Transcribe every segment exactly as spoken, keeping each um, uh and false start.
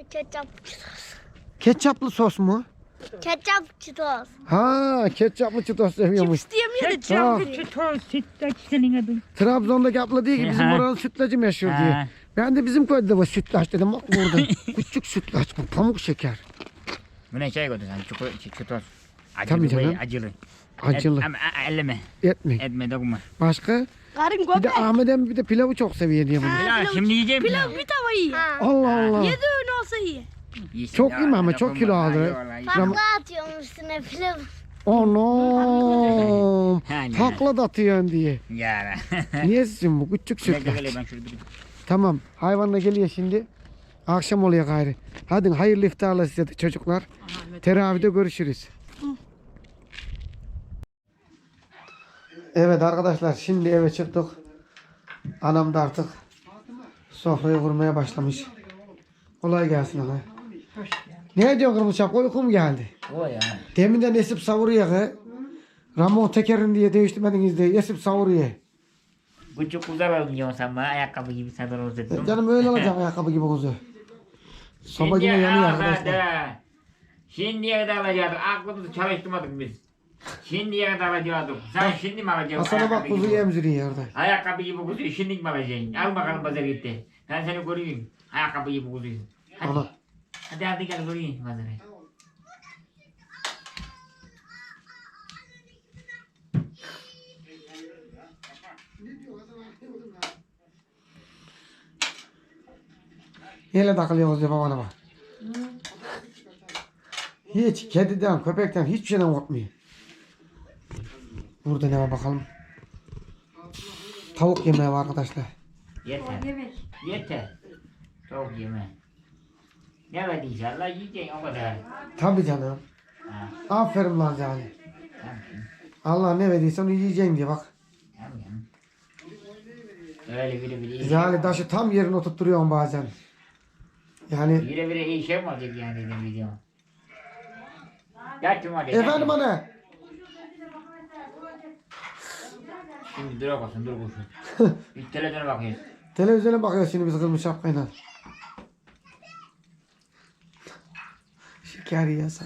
Ketçap çitos. Ketçaplı sos mu? Ketçap çitos. Ha, ketçaplı çitos seviyormuş. Cips diyemiyor da Ketçap. cips. Çitos, sütlaç senin adın. Trabzon'daki abla diyor ki bizim Ha. oranın sütlacı meşhur Ha. diye. Ben de bizim köyde de var sütlaç dedim. Bak burada. Küçük sütlaç bu. Pamuk şeker. Bu ne şey koydun sen? Çitos. Çitos. Tabii Acılı canım. böyle acılı. Acılı. Et, ama a- elleme. Etme. Etme dokunma. Başka? Karın Bir göbek. de Ahmet emmi bir de pilavı çok seviyor diye bunu. Pilav şimdi yiyeceğim. Pilav bir tava iyi. Allah Allah. Yedi öğün olsa iyi. Yesin Çok ya, yeme ama, dokunma. çok kilo alır. Ay, vallahi. Tamam. Takla atıyorum üstüne pilav. Anam. Yani. Takla da atıyorsun diye. Ya. Niye sizin bu küçük Gel gel sütlaç? gel ben şurada bir. Tamam. Hayvanla geliyor şimdi. Akşam oluyor gayrı. Hadi hayırlı iftarlar size de çocuklar. Teravide görüşürüz. Evet arkadaşlar şimdi eve çıktık. Anam da artık sofrayı kurmaya başlamış. Kolay gelsin ana. Ne diyorsun kırmızı şapka, uykum geldi. O ya. Deminden esip savuruyor ki. Ramon tekerini diye değiştirmediniz diye esip savuruyor. Bu çok güzel oynuyorsun sen bana. Ayakkabı gibi sen onu uzattın. Canım öyle olacak ayakkabı gibi kuzu. Soba yine yanıyor arkadaşlar. Şimdiye kadar alacaktık. Aklımızı çalıştırmadık biz. Şimdiye kadar alacaktık. Sen şimdi mi alacaksın? Hasan'a bak ayakkabı kuzu gibi? emziriyor orada. Ayakkabı gibi kuzuyu şimdi mi alacaksın? Al bakalım pazara gitti. Ben seni koruyayım. Ayakkabı gibi kuzuyu. Hadi. Ana. Hadi hadi gel koruyayım pazara. Neyle takılıyorsunuz diye babana bak. Hiç kediden, köpekten hiçbir şeyden korkmuyor. Burada ne var bakalım. Tavuk yemeği var arkadaşlar. Yeter. Yeter. Çok yeme. Ne var inşallah yiyeceksin o kadar. Tabii canım. Ha, Aferin lan Zali. tamam. Allah ne verdiyse onu yiyeceksin diye bak. Tamam canım. Öyle biri biri iyi. Zali taşı tam yerine oturtturuyorsun bazen. Yani Biri biri iyi şey mi olacak yani dedim video. Yattım hadi. efendim yattım. ana. Şimdi dur bakasın dur kuşum. Bir televizyona bakıyoruz. Televizyona bakıyoruz şimdi biz kırmızı şapkayla. Şeker yiyorsan.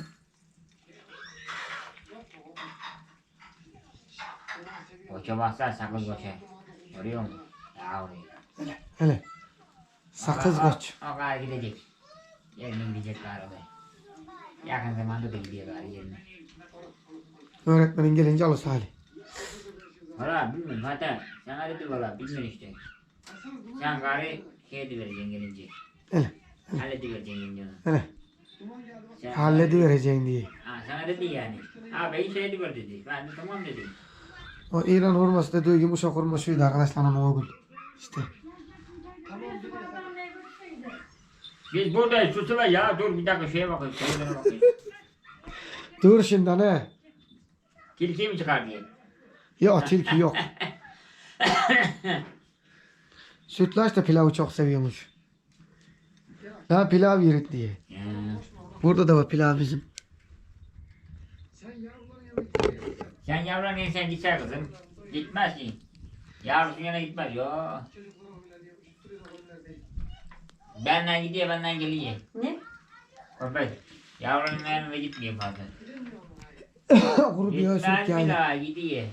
Koça baksan sakız koça. Görüyor musun? Ya oraya. Hele. Sakız O- o- koç. O kadar gidecek. Yerine gidecek galiba. Yakın zamanda da gidiyor galiba yerine. Öğretmenin gelince alır Salih. Valla bilmiyorum hatta sana dedi valla bilmiyorum işte. Sen gari şey de vereceksin gelince. Hele. Halledivereceksin gelince onu. Hele. Sen- Halledivereceğin diye. Ha sana dedi yani. Abi şey ediver dedi. Ben de tamam dedim. O İran hurması dediği yumuşak hurma şuydu arkadaşlar onun uygun. İşte. Biz buradayız susula ya dur bir dakika şeye bakayım. Televizyona bakayım. Dur şimdi ne? Tilkiyi mi çıkar diye. Yok tilki yok. Sütlaç da pilavı çok seviyormuş. Ya pilav yerit diye. Ya. Burada da var pilav bizim. Sen yavran sen gitsen kızım. Gitmez ki. Yavrusun yana gitmez yo. Benden gidiyor benden geliyor. Ne? Köpek. Yavrunun yanına gitmiyor fazla. Kuru bir süt Gitmez bir yani. daha gidiyor.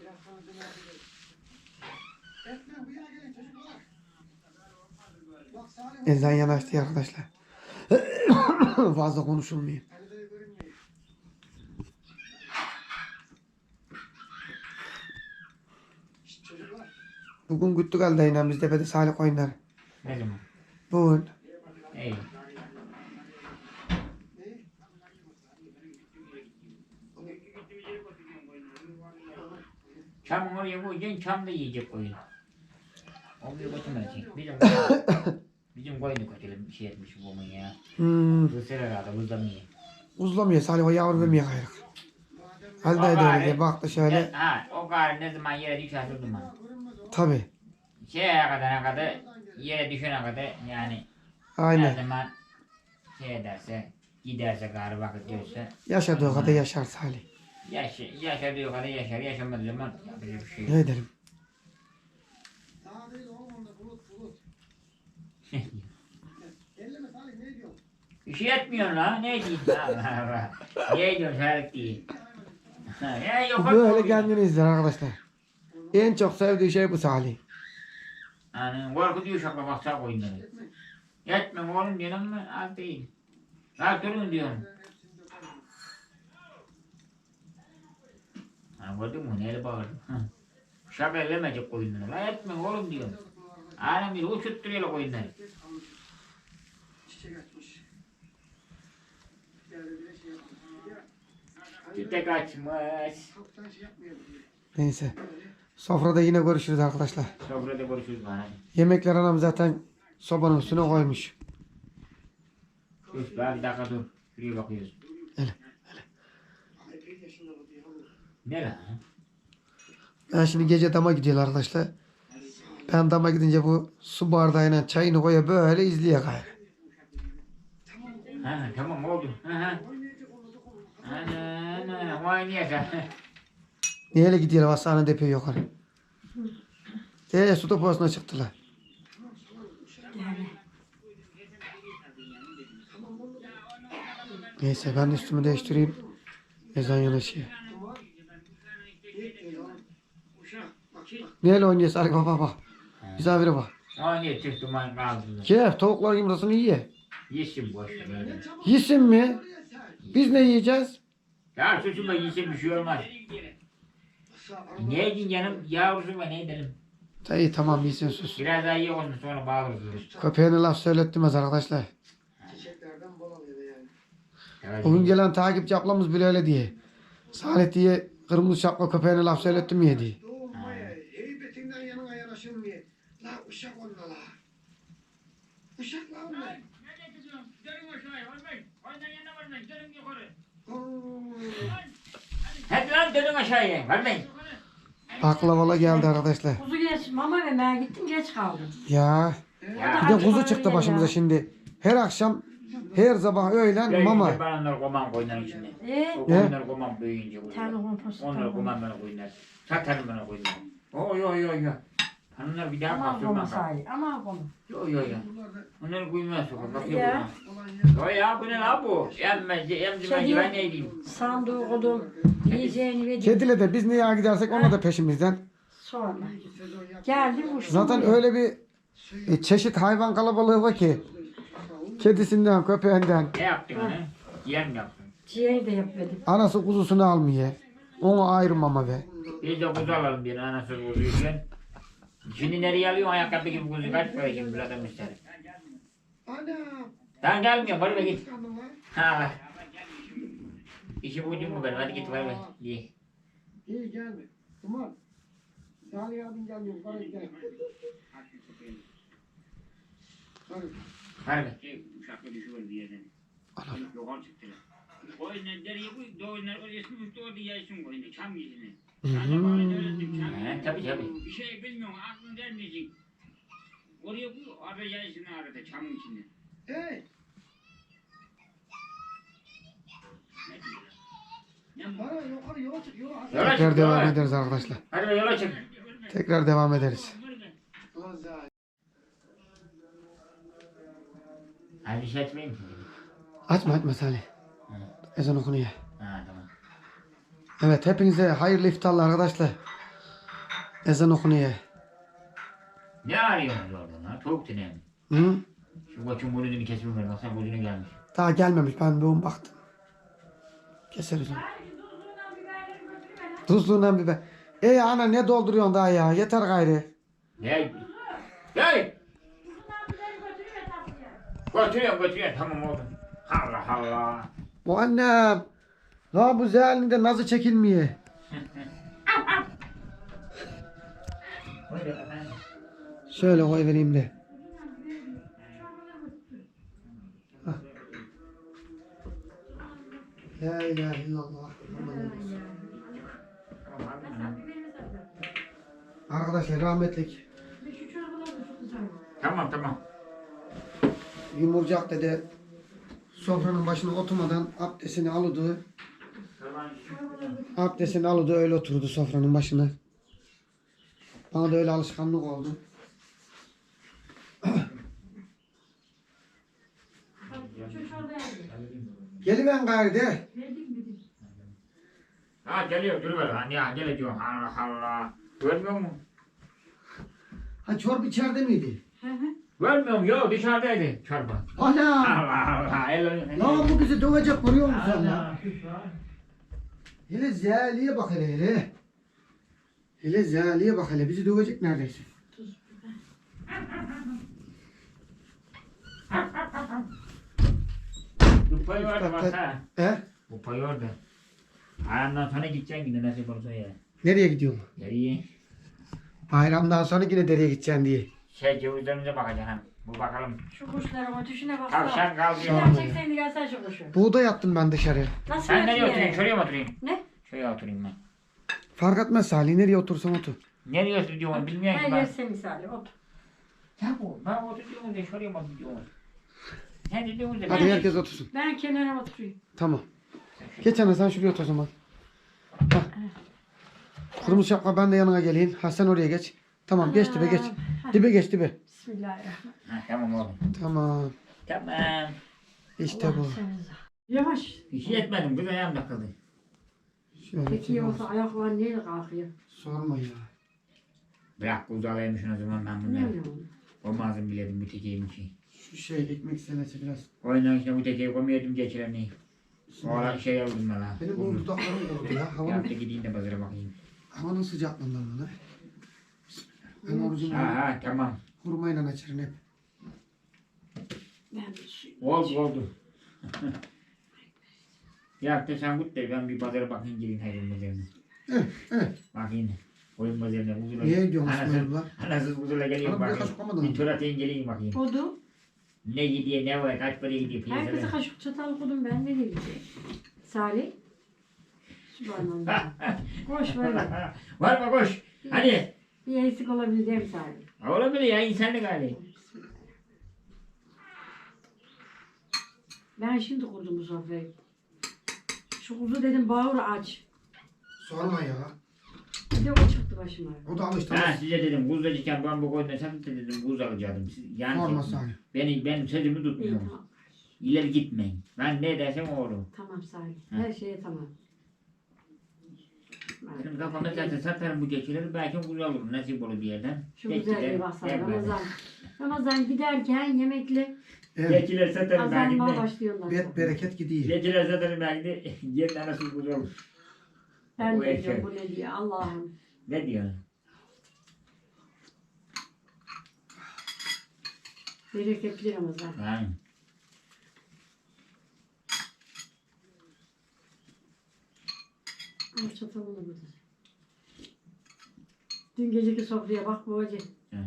Elden yanaştı arkadaşlar. Fazla konuşulmuyor. Bugün güttük halde yine biz tepede Salih oynar. Ne zaman? Bugün. İyi. Çam oraya koyacaksın, çam da yiyecek koyun. O bir götürmeyecek. Bizim bizim koyunu kötüle bir şey etmiş bu mu ya. Hmm. Kısır herhalde, buzlamıyor. Uzlamıyor Salih o yavru vermiyor gayrı. Halde de öyle diye baktı şöyle. Ne, ha, o gari ne zaman yere düşer durma. Tabi. Şeye kadar ne kadar, yere düşene kadar yani ne Aynen. zaman şey ederse, giderse gari vakit görse. Yaşadığı kadar yaşar Salih. Yaş, yaşadığı kadar yaşar, yaşamadığı zaman yapacak bir şey yok. Ne edelim? Bir şey etmiyorsun lan. Ne diyeyim? Allah Allah. Niye diyorsun Serhat diye. Ya yok. Böyle kendini izler arkadaşlar. En çok sevdiği şey bu Salih. Yani korkutuyor şaklamak sağ oyunları. Yetme oğlum diyorum mu? Az değil. Rahat durun diyorum. Ha gördün mü? Neyle bağırdım? Şaka elemeyecek oyunları. La etme oğlum diyorum. Alem bir uçutturuyor oyunları. Çiçek açmış. Neyse. Sofrada yine görüşürüz arkadaşlar. Sofrada görüşürüz bana. Yemekler anam zaten sobanın üstüne koymuş. Dur daha bir dakika dur. Şuraya bakıyoruz. Hele. Ne lan? Ben şimdi gece dama gidiyorum arkadaşlar. Ben dama gidince bu su bardağıyla çayını koya böyle izleye gayrı. Ha tamam oldu. Ha ha. Ana ana vay niye sen? Neyle gidiyorlar hastane depoya yukarı. Eee su deposuna çıktılar. Neyse ben de üstümü değiştireyim. Ezan yanaşıyor. Neyle oynuyor Salih baba bak. Misafire bak. O niye çıktı man kaldı? Ke tavuklar yumurtasını ye. Yesin boş ver. Yesin mi? Biz ne yiyeceğiz? Ya suçuma yesin bir şey olmaz. Ne edin canım yavrusu var ne edelim? İyi tamam yesin sus. Biraz daha iyi olsun sonra bağırırız. Köpeğine laf söylettirmez arkadaşlar. Evet. Bugün gelen takipçi ablamız bile öyle diye. Salih diye kırmızı şapka köpeğine laf söylettirmiyor diye. Heybetinden yanına yanaşılmıyor. La uşak onunla la. Uşak la onlar. Hadi lan dönün aşağıya. Vermeyin. Baklavalı geldi arkadaşlar. Kuzu geç mama vermeye gittim geç kaldım. Ya Ya. bir de kuzu çıktı başımıza şimdi. Her akşam, her sabah öğlen Büyüyünce mama. ben onları koymam koyunların içinde. Eee? O koyunları koymam büyüyünce. Tane kompost. Onları koymam bana koyunlar. Satarım bana koyunlar. Oy oy oy oy. Onları bir daha Ama bastırmam. konu sahi. Ama konu. Yo yo yo. Onları koymaz sokak. Bak Ya. ya. Yo ya bu ne la bu? Emmez, emzimez ben ne diyeyim? Sandığı koydum. Yiyeceğini verdim. Kedile de biz neye gidersek ona da peşimizden. Sonra. Geldim uçtum. Zaten öyle bir e, çeşit hayvan kalabalığı var ki. Kedisinden, köpeğinden. Ne yaptın onu? Yer mi yaptın? Ciğeri de yapmadım. Anası kuzusunu almıyor. Onu ayrı mama ver. Biz de kuzu alalım bir anası kuzuyken. Şimdi nereye alıyorsun ayakkabı gibi kuzu kaç para şimdi bir adam ister. Ana. Tamam gelmiyor bari be git. Kanım var. Ha. İşi buldun mu benim hadi git bari be. İyi. İyi gelme. Tamam. Salih abin gelmiyor. Bana gel. Hadi. Hadi be. Uçakla düşüyor bir yerden. Anam. Yukarı çıktılar. Koyunlar deriye koy, doğunlar oraya üstü orada yaysın koyunu, çam yüzüne. Hı Sana hı. bana öğrettim çam. He tabii tabii. Bir şey bilmiyorum, aklın gelmeyecek. Oraya koy, orada yaysın arada çamın içinde. Hey. Ne diyorlar? Ne bu? Bana yukarı yola çık. Yola. Yola Tekrar çık, devam yola. ederiz arkadaşlar. Hadi be yola çık. Tekrar devam ederiz. Ulan Salih. Hadi bir şey etmeyeyim ki. Açma açma Salih. Ezan okunuyor. Ha tamam. Evet hepinize hayırlı iftarlar arkadaşlar. Ezan okunuyor. Ne arıyorsunuz oradan ha? Tavuk tane mi? Hı? Şu koçun burnunu kesmem ver, baksana burnunu gelmiş. Daha gelmemiş ben bir baktım. Keseriz onu. Tuzluğundan biber. Ey ana ne dolduruyorsun daha ya? Yeter gayrı. Ne? Gel! Götürüyorum götürüyorum tamam oldu. Allah Allah. Bu annem. La bu zehalinde nazı çekilmiyor. Şöyle koy vereyim de. Hah. La ilahe illallah. Arkadaşlar rahmetlik Tamam tamam. Yumurcak dede sofranın başına oturmadan abdestini alıdı. Abdestini alıdı öyle oturdu sofranın başına. Bana da öyle alışkanlık oldu. Şu çorba yazdı. Geliven gayrı de. Verdim dedim. Ha geliyor duruver lan ya geliyor. Allah Allah. Görmüyor musun? Ha çorba içeride miydi? Hı hı. Görmüyor musun? Yok dışarıdaydı çorba. Ana! Allah Allah. El, Lan bu bizi dövecek vuruyor musun sen lan? Allah. Hele zeliye bak hele hele. Hele zeliye bak hele bizi dövecek neredeyse. Bu payı orada bak ha. He? Bu payı orada. Ayağımdan sonra gideceksin yine nasip olursa ya. Nereye gidiyorsun? Nereye? Bayramdan sonra yine dereye gideceksin diye. Şey cevizlerimize bakacaksın. Bu bakalım. Şu kuşların ötüşüne bak. Tavşan kalkıyor. Şuradan çeksen de gelsene şu kuşu. Buğday attım ben dışarıya. Nasıl Ben nereye ötüyor? oturayım? Şuraya mı oturayım? Ne? Şuraya oturayım ben. Fark etmez Salih nereye otursan otur. Nereye oturuyorum bilmiyorum ki Ben ben. yerse misali otur. Ya bu ben oturuyorum da şuraya mı oturuyorum? Sen de diyorsun da Hadi ben- herkes otursun. Ben kenara oturayım. Tamam. Geç ana sen şuraya otur o zaman. Bak. Kırmızı şapka ben de yanına geleyim. Ha sen oraya geç. Tamam geç dibe geç. Dibe geç dibe. Bismillahirrahmanirrahim. Ha, tamam oğlum. Tamam. Tamam. İşte bu. Allah senize. Yavaş. Hiç yetmedim. Kız ayağım takıldı. Şöyle Peki çek olsa ayaklar neyle kalkıyor? Sorma ya. Bırak kuzalaymışsın o zaman ben Ne bunları. bileyim. Olmazım biledim bu tekeyim ki. Şu şey ekmek senesi biraz. Oyundan işte bu tekeyi koymuyordum geçireni. Sonra şey aldım ben ha. Benim bu dudaklarım kurudu ya. Havanın, Yaptı gideyim de pazara bakayım. havanın sıcaklığından bana. Ben orucumu Ha ha tamam. hurmayla açarım hep. Ben bir su. Oldu oldu. Yaptı sen git de ben bir pazara bakayım gelin hayvan pazarına. Evet, evet. Bakayım. Oyun pazarına huzurla. Niye diyorsun Anasız, İsmail anasız huzurla geliyorum Bana buraya bakayım. kaşık koymadın Bir mı? tur atayım geleyim bakayım. Kodu. Ne gidiyor ne var kaç para gidiyor Herkese piyasada. kaşık çatal kodum ben ne diyeyim? Salih. Subhanallah. Koş böyle. Var mı koş. Hadi. Bir eksik olabileceğim Salih. Olabilir ya insanlık hali. Ben şimdi kurdum bu sofrayı. Şu kuzu dedim bağır aç. Sorma ya. Bir de o çıktı başıma. O da alıştı. Ha size dedim kuzdacıkken ben bu koyuna sen de dedim kuz alacaktım. Siz- Yani Sorma dedim, Salih. beni, benim sözümü İyi tutmuyorsunuz. tamam. İleri gitmeyin. Ben ne dersem o olur. Tamam Salih. Her şeye tamam. Şimdi kafamda zaten satarım bu geçileri belki kuz alırım nasip olur bir yerden. Şu Geçiler, güzelliğe baksana hep böyle. Ramazan. Ramazan giderken yemekle Evet. Geçiler satarım belki azalmaya de. başlıyorlar. Bet bereket gidiyor. Geçiler satarım belki de yerden nasıl kuz olur. Ben Bu de erkek. diyorum bu ne diye Allah'ım. Ne diyor? Bereketli Ramazan. Ha. Al çatalını burada. Dün geceki sofraya bak bu acı. Ha.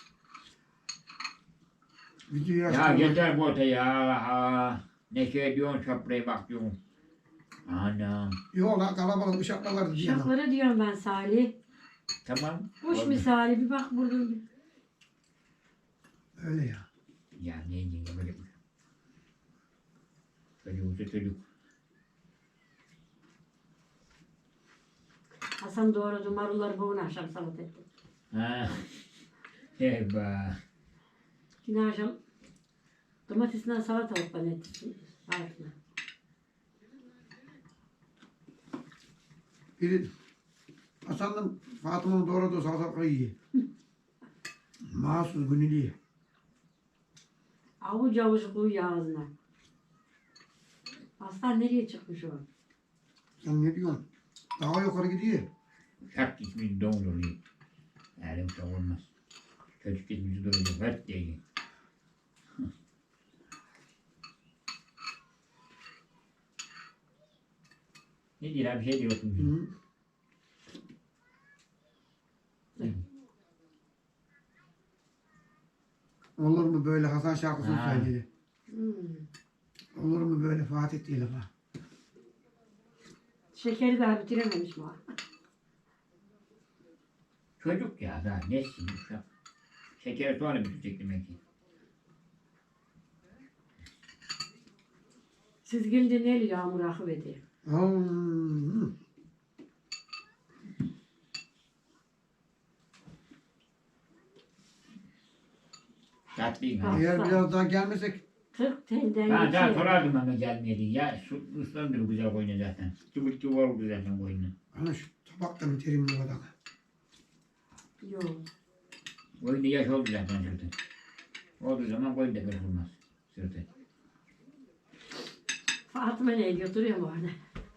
Videoyu Ya açtım. yeter bu öte ya. Ha. Ne şey diyorsun çöpreye bak diyorsun. Anam. Yok lan kalabalık uşaklar vardı diye. lan. Uşaklara diyorum ben Salih. Tamam. Kuş oldu. misali bir bak burada. Öyle ya. Ya ne diyeyim böyle bir. Çocuksa çocuk. Hasan doğradı marulları boğun akşam salata etti. Ha. Eyvah. Yine akşam domatesinden salatalık bana etti. Altına. Biri Hasan'ın Fatıma'nın doğradığı salatalığı yiyor. Mahsus günü yiyor. Avuç avuç koyuyor ağzına. Aslan nereye çıkmış o? Sen ne diyorsun? Daha yukarı gidiyor. Şak gitmiş don oluyor. Elim çok olmaz. Çocuk gitmiş duracak. Hadi diyecek. Ne diyor abi şey diyorsun. Hı. Olur mu böyle Hasan şarkısını Ha. söyledi. Hmm. Olur mu böyle Fatih değil ama. Şekeri daha bitirememiş mi? Çocuk ya daha nesin uşak. Şekeri sonra bitecek demek ki. Siz gelince neyle yağmur akıverdi? Hmm. Tatlıyım Ha. ha. Eğer Aslan. biraz daha gelmesek kırk telden Ben daha geçiyor. sorardım ama gelmedi. Ya su ıslandır güzel koyunu zaten. Çubuk çubuk oldu zaten koyunu. Ana şu tabakta mı terim bu kadar? Yok. Koyunu yaş oldu zaten sırtı. Olduğu zaman koyun da kırpılmaz sırtı. Fatıma ne götürüyor mu orada?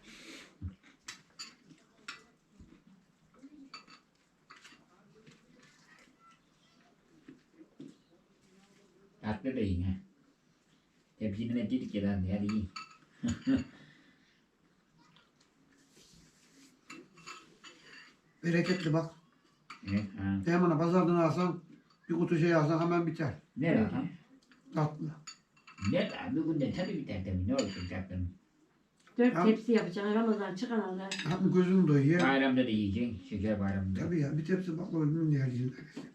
Tatlı da yiyin ha. Tepsini ne dedik ya lan hadi yiyin. Bereketli bak. Evet ha. Hemen pazardan alsan bir kutu şey alsan hemen biter. Ne lan? Tatlı. Ne lan? Bir günde tabii biter tabii. Ne olsun tatlım. Dört Ya. tepsi yapacaksın Ramazan çıkan Allah. Hem gözün doyuyor. Bayramda da yiyeceksin. Şeker bayramında. Tabii ya bir tepsi baklava bilmem ne yerliğinde.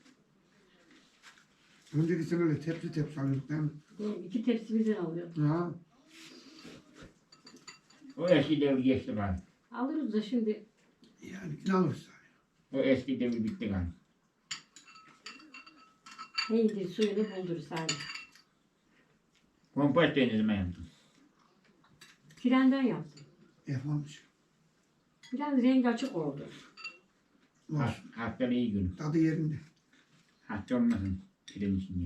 Önceki sene öyle tepsi tepsi alıyorduk değil mi? Yani iki tepsi birden alıyor. Ya. O eski devir geçti galiba. Alırız da şimdi Yani ne alırız? O eski devir bitti galiba. neydi suyunu bulduruz hani. Kompost ne zaman yaptın? Frenden yaptım. Yapmamış. Biraz rengi açık oldu. Var. Ha- Haftanın iyi günü. Tadı yerinde. Hafta olmasın. Pirin içinde.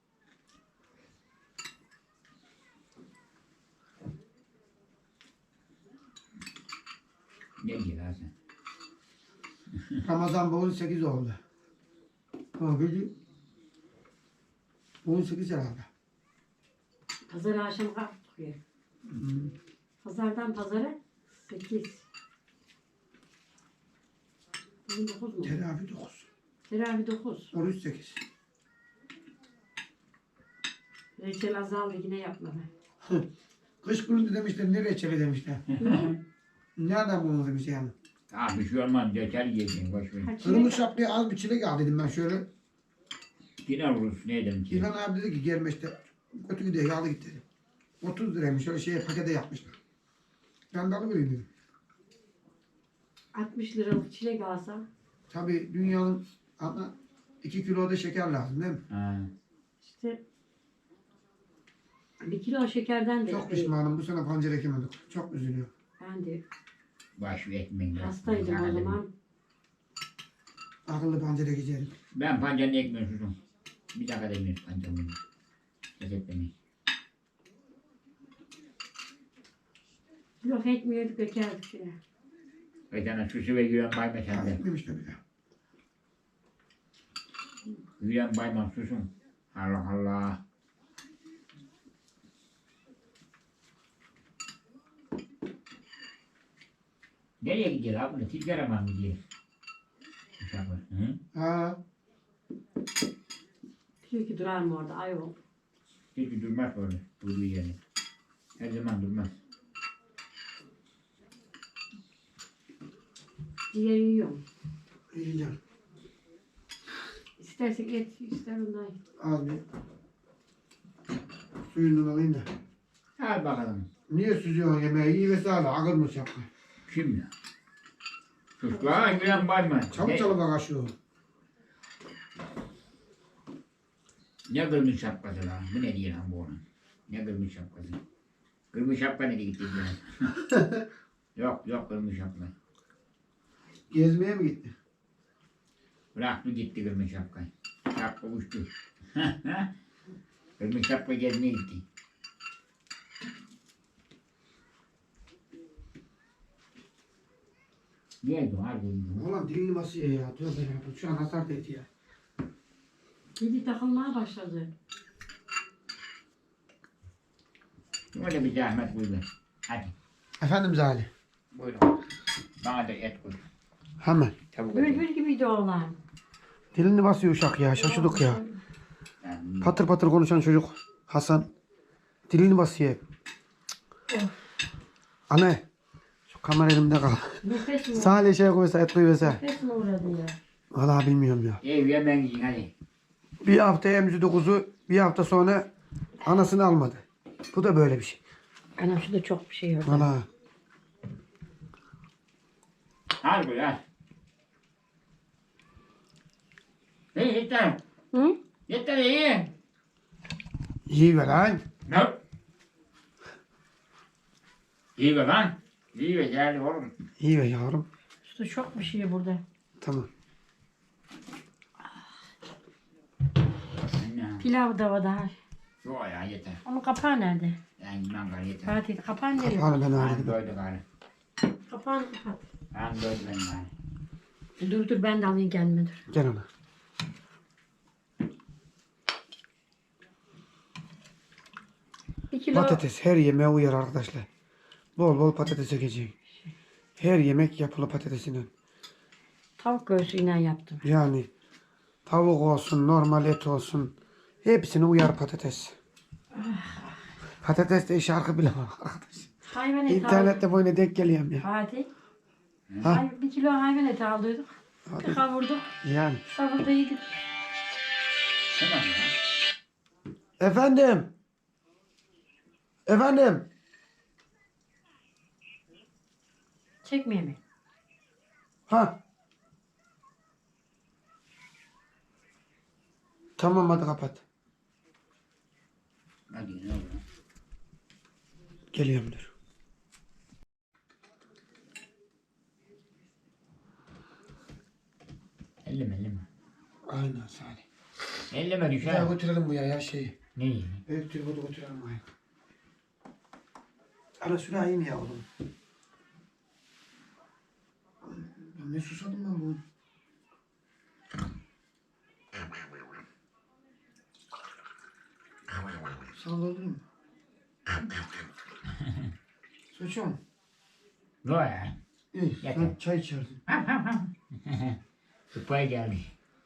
Ne diyor lan sen? Ramazan bu on sekiz oldu. Ha böyle on sekiz herhalde. Pazar akşam kalktık ya. Hmm. Pazardan pazara sekiz. Bugün dokuz mu? Teravi dokuz. Teravih dokuz. Oruç sekiz. Reçel azaldı yine yapmadı. Kış gününde demişler ne reçeli demişler. Nereden bulundu demiş yani. Ah bir şey olmaz. Yeter yiyeceksin. Boş ver. Kaç Kırmızı şapkaya az bir çilek al dedim ben şöyle. Yine vurursun. Ne edelim ki? İlhan abi dedi ki gelme işte. Kötü gidiyor yağlı git dedi. otuz liraymış şöyle şeye pakete yapmışlar. Ben de alıvereyim dedim. altmış liralık çilek alsam Tabii dünyanın ana iki kilo da şeker lazım değil mi? Ha. işte bir kilo şekerden de Çok pişmanım bu sene pancar ekemedik. Çok üzülüyor. ben de Baş ver ekmeğin. hastaydım o zaman. Akıllı pancar ekeceğim. Ben pancarını ekmiyorum çocuğum. Bir dakika da ekmiyorum pancarını. Ses etmeyin. Yok etmiyorduk ekerdik yine. Ve sana susu ve güven bayma Az sende. etmemiş de bile. Güven bayma susun. Allah Allah. Nereye gidiyor abi bunu? Tilgara mı gidiyor? Uşaklar. Hı? Ha, Diyor ki durar mı orada ayol. Hiç durmaz böyle. Durduğu yerde. Her zaman durmaz. Ciğer yiyorum. yiyeceğim. İstersen et ister ondan. Az bir suyundan alayım da. Al bakalım. Niye süzüyorsun yemeği? İyi vesaire akılmış yapma. Kim ya? Sus lan güven bayma. Çabuk Ne- çabuk akaşıyor. Ne kırmızı şapkası lan? Bu ne diyor lan bu onun? Ne kırmızı şapkası? Kırmızı şapka nereye gitti diyor. Yok yok kırmızı şapka. Gezmeye mi gitti? Bıraktı gitti kırmızı şapkayı. Şapka uçtu. Kırmızı şapka gezmeye gitti. Neydi o harbi? Ulan dilini basıyor ya. Tövbe yarabbim. Şu an hasar etti ya. Dili takılmaya başladı. Öyle bir zahmet buyurun. Hadi Efendim Zali. buyurun. Bana da et koy. Hemen. Tavuk eti. Bülbül gibiydi oğlan. Dilini basıyor uşak ya. Şaşırdık ya. Yani Patır patır konuşan çocuk. Hasan. Dilini basıyor. Anne. Şu kamera elimde kal. Nefes mi? Salih şey koysa et koysa. Nefes mi uğradı ya? Valla bilmiyorum ya. ev yemen yiyin hadi. Bir hafta emzirdi kuzu. Bir hafta sonra anasını almadı. Bu da böyle bir şey. Anam şurada çok bir şey yok. Valla. Al buyur al. Hey yeter. Hı? Yeter iyi. İyi ver lan. Ne? İyi be lan. İyi be geldi oğlum. İyi be yavrum. Su çok bir şey burada. Tamam. Anne. Pilav da var daha. Yok ya yeter. Onun kapağı nerede? Ben gitmem gari yeter. Fatih kapağı nereye? Kapağını ben Ben halledeyim. doydum gari. Kapağını kapat. Ben doydum ben gari. Dur dur ben de alayım gelme dur. Gel ana. Bir kilo Patates her yemeğe uyar arkadaşlar. Bol bol patates ekeceğim. Her yemek yapılı patatesinden. tavuk göğsüyle yaptım. Yani tavuk olsun, normal et olsun. Hepsine uyar patates. Patates de şarkı bilemem arkadaş. Hayvan eti aldık. İnternette boyuna denk geliyorum ya. Fatih. Ha? Hay- Bir kilo hayvan eti aldıydık. Bir kavurduk. Yani. Sabırda yedik. Tamam ya. Efendim. Efendim. Çekmeye mi? Ha. Tamam hadi kapat. Hadi ne oldu? Geliyorum dur. Elleme elleme. Aynen Salih. Elleme Bir düşer. daha götürelim bu ya, ya şeyi. Neyi? Büyük tripodu götürelim buraya. Ana sürahim ya oğlum. Ben ne susadım ben bu. Salladın mı? Suçum. Ne ya? İyi. Yeter. Sen çay içerdin. Tıpay geldi.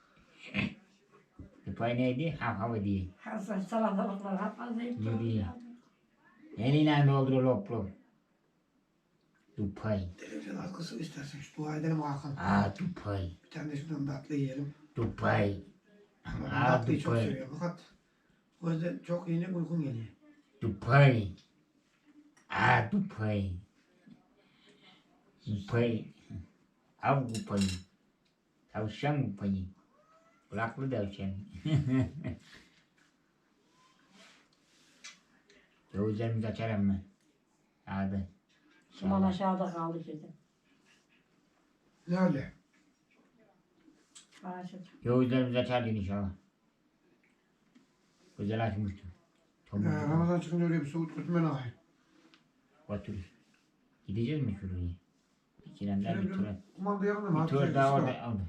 Tıpay neydi? Hav hav diye. Hasan salatalıklar hep Ne diye? Eliyle doldur lop lop. Tıpay. Televizyon arkası istersen şu dua edelim Hakan. Aa tıpay. Bir tane de şuradan tatlı yiyelim. Tıpay. Ben Aa tatlıyı çok tıpay. seviyorum fakat o yüzden çok yine uykum geliyor. Tıpay. Aa tıpay. Tıpay. Av tıpay. Tavşan tıpay. Kulaklı tavşan. Gözlerimizi açarım mı? Hadi. Suman aşağıda kaldı dedim. Ne öyle? Bağışladım. Gözlerimizi açardın inşallah. Güzel açmıştım. Ee, Tamam. Ramazan çıkınca öyle bir soğuk götürmen ahir. Otur. Gideceğiz mi şuraya? İkilemler bir tur. Kumanda yanında mı? Bir tur daha orada aldı.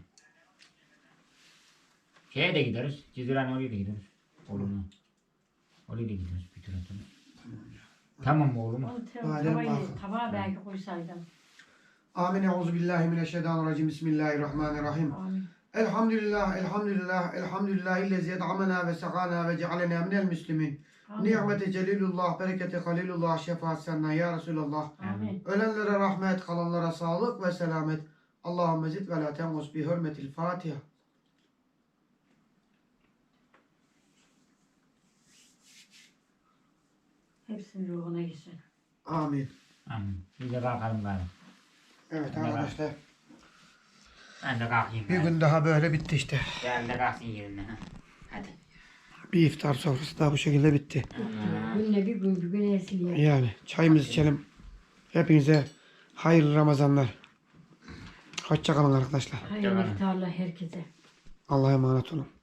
Şeye de gideriz. Ciziran oraya da gideriz. Oğlum. Oraya da gideriz bir tur atalım. Tamam mı oğlum? Onu te- Badem tavayı, bakın. tabağa belki koysaydım. Amin. Euzubillahimineşşeytanirracim. Bismillahirrahmanirrahim. Amin. Elhamdülillah, elhamdülillah, elhamdülillah illezi ed'amena ve sakana ve cealena minel müslimin. Amin. Nimeti celilullah, bereketi halilullah, şefaat senden ya Resulallah. Amin. Ölenlere rahmet, kalanlara sağlık ve selamet. Allahümme zid ve la tengus bi hürmetil Fatiha. Hepsinin ruhuna gitsin. Amin. Amin. Biz de kalkalım galiba. Evet Ne var? arkadaşlar. Ben de kalkayım. Bir ben. gün daha böyle bitti işte. Gel de kalksın yerine. ha. Hadi. Bir iftar sofrası da bu şekilde bitti. Günle bir gün bir gün esiliyor. Yani çayımızı içelim. Hepinize hayırlı Ramazanlar. Hoşça kalın arkadaşlar. Hayırlı iftarlar herkese. Allah'a emanet olun.